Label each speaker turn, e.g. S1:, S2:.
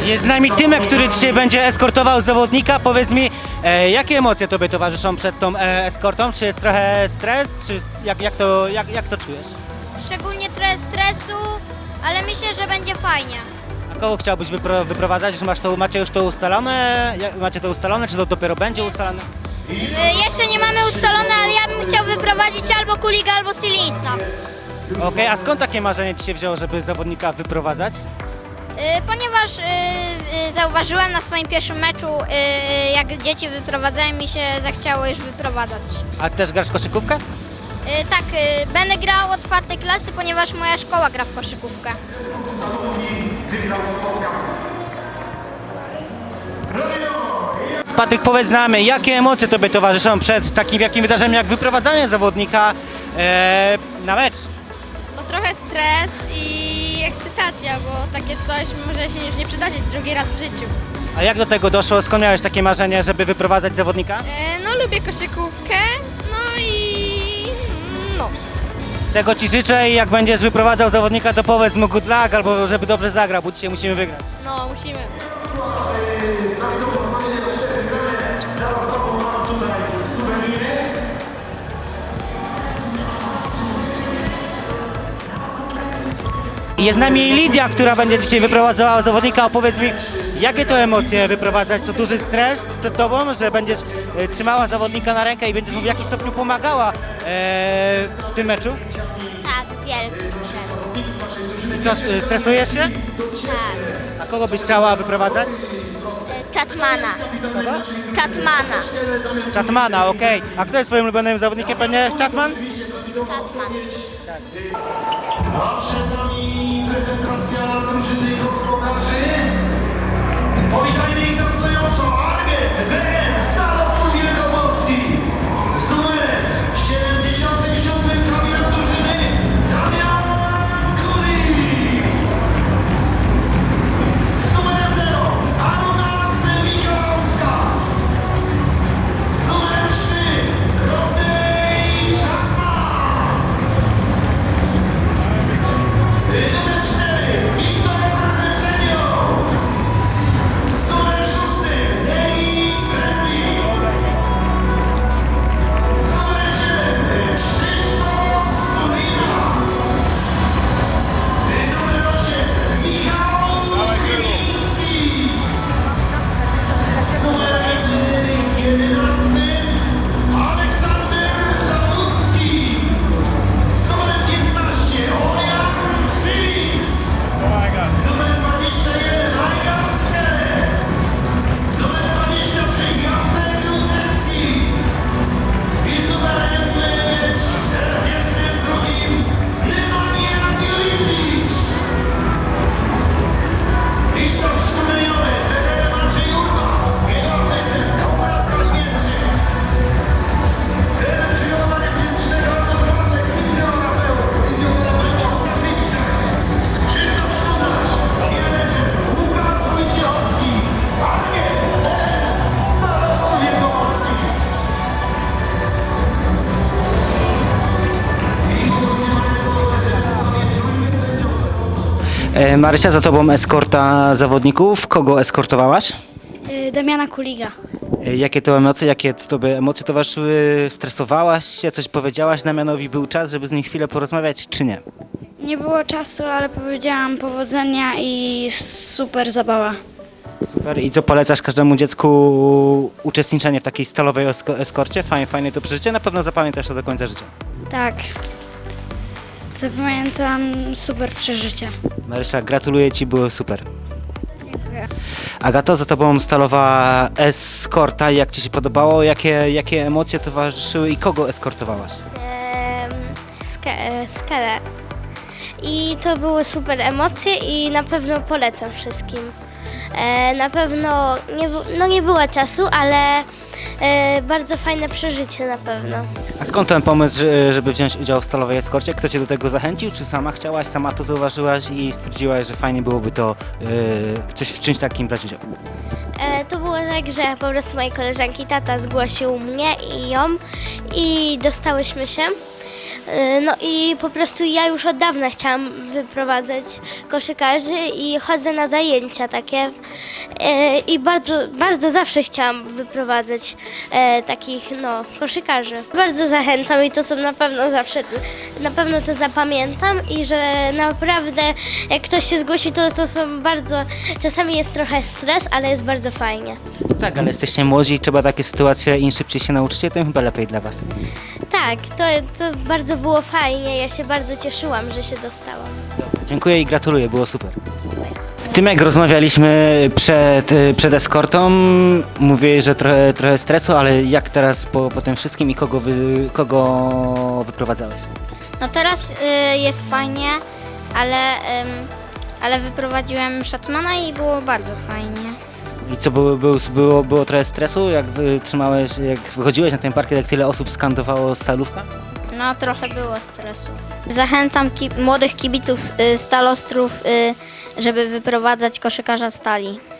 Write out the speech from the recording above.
S1: Jest z nami Tymek, który dzisiaj będzie eskortował zawodnika. Powiedz mi, jakie emocje Tobie towarzyszą przed tą eskortą? Czy jest trochę stres, czy jak to czujesz?
S2: Szczególnie trochę stresu, ale myślę, że będzie fajnie.
S1: A kogo chciałbyś wyprowadzać? Że macie już to ustalone? Macie to ustalone, czy to dopiero będzie ustalone?
S2: Jeszcze nie mamy ustalone, ale ja bym chciał wyprowadzić albo Kuliga, albo Silinsa.
S1: Okej, a skąd takie marzenie Ci się wzięło, żeby zawodnika wyprowadzać?
S2: Ponieważ zauważyłem na swoim pierwszym meczu, jak dzieci wyprowadzają, mi się zachciało już wyprowadzać.
S1: A też grasz w koszykówkę?
S2: Tak, będę grał od czwartej klasy, ponieważ moja szkoła gra w koszykówkę.
S1: Patryk, powiedz nam, jakie emocje Tobie towarzyszą przed takim wielkim wydarzeniem jak wyprowadzanie zawodnika na mecz?
S3: No trochę stres i ekscytacja, bo takie coś może się już nie przydarzyć drugi raz w życiu.
S1: A jak do tego doszło? Skąd miałeś takie marzenie, żeby wyprowadzać zawodnika?
S3: No lubię koszykówkę, no i no.
S1: Tego Ci życzę i jak będziesz wyprowadzał zawodnika, to powiedz mu good luck albo żeby dobrze zagrał, bo dzisiaj musimy wygrać.
S3: No musimy.
S1: Jest z nami Lidia, która będzie dzisiaj wyprowadzała zawodnika. Opowiedz mi, jakie to emocje wyprowadzać? To duży stres przed Tobą, że będziesz trzymała zawodnika na rękę i będziesz mu w jakiś stopniu pomagała w tym meczu?
S2: Tak, wielki stres.
S1: I co, stresujesz się?
S2: Tak.
S1: A kogo byś chciała wyprowadzać?
S2: Chatmana. Chatmana.
S1: Chatmana, okej. A kto jest Twoim ulubionym zawodnikiem? Pewnie Chatman?
S2: Chatman.
S4: A przed nami prezentacja drużyny gospodarzy. Powitajmy ich na stojąco armię BN Starostu Wielkopolski z numerem 77 kapitan drużyny Damian Kulik. Z numerem 0 Arunas Mikołauskas. Z numerem 3 Rodney Szachman. Numer 4 Wiktor Senio. Z numerem 6 David Bradley. Z numerem 7 Krzysztof Sulina. Numer 8 Michał Chyliński. Z numerem 11 Aleksander Zaludzki. Z numerem 15 Orion Silis. Numer 21 Rajgan Skeler. Numer 23 Jacek Lutecki. I z numerem 42 Nemanja Milicic. I sztab szkoleniowy trener Maciej Urba. Jego asystent Konrad Kaźmierczyk. Trener przygotowania fizycznego Artur Pasek, fizjoterapeut Łukasz Wikczak. Krzysztof Szudasz, menedżer Łukasz Wójciechowski. Armię Starostu Wielkopolski.
S1: Marysia, za Tobą eskorta zawodników. Kogo eskortowałaś?
S5: Damiana Kuliga.
S1: Jakie to emocje, jakie Tobie emocje towarzyszyły? Stresowałaś się, coś powiedziałaś Damianowi? Był czas, żeby z nim chwilę porozmawiać, czy nie?
S5: Nie było czasu, ale powiedziałam powodzenia i super zabawa.
S1: Super. I co polecasz każdemu dziecku uczestniczenie w takiej stalowej eskorcie? Fajnie to przeżycie, na pewno zapamiętasz to do końca życia.
S5: Tak. Zapamiętam super przeżycie.
S1: Marysia, gratuluję Ci, było super.
S5: Dziękuję.
S1: Agato, za Tobą stalowa eskorta, jak Ci się podobało? Jakie emocje towarzyszyły i kogo eskortowałaś?
S6: Skalę. I to były super emocje i na pewno polecam wszystkim. Na pewno nie było czasu, ale bardzo fajne przeżycie na pewno.
S1: A skąd ten pomysł, żeby wziąć udział w stalowej eskorcie? Kto Cię do tego zachęcił? Czy sama chciałaś, sama to zauważyłaś i stwierdziłaś, że fajnie byłoby to w czymś takim brać udział?
S6: To było tak, że po prostu mojej koleżanki tata zgłosił mnie i ją i dostałyśmy się. No i po prostu ja już od dawna chciałam wyprowadzać koszykarzy i chodzę na zajęcia takie i bardzo zawsze chciałam wyprowadzać takich koszykarzy. Bardzo zachęcam i to są na pewno zawsze, na pewno to zapamiętam i że naprawdę jak ktoś się zgłosi, to są bardzo, czasami jest trochę stres, ale jest bardzo fajnie.
S1: Tak, ale jesteście młodzi i trzeba takie sytuacje, im szybciej się nauczycie, tym chyba lepiej dla was.
S6: Tak, to bardzo było fajnie, ja się bardzo cieszyłam, że się dostałam.
S1: Dziękuję i gratuluję, było super. Tym jak rozmawialiśmy przed eskortą, mówię, że trochę stresu, ale jak teraz po tym wszystkim i kogo wyprowadzałeś?
S2: No teraz jest fajnie, ale wyprowadziłem Shatmana i było bardzo fajnie.
S1: I co, było trochę stresu, jak jak wychodziłeś na ten parkiet, jak tyle osób skandowało Stalówka?
S2: No trochę było stresu. Zachęcam młodych kibiców Stalostrów, żeby wyprowadzać koszykarza Stali.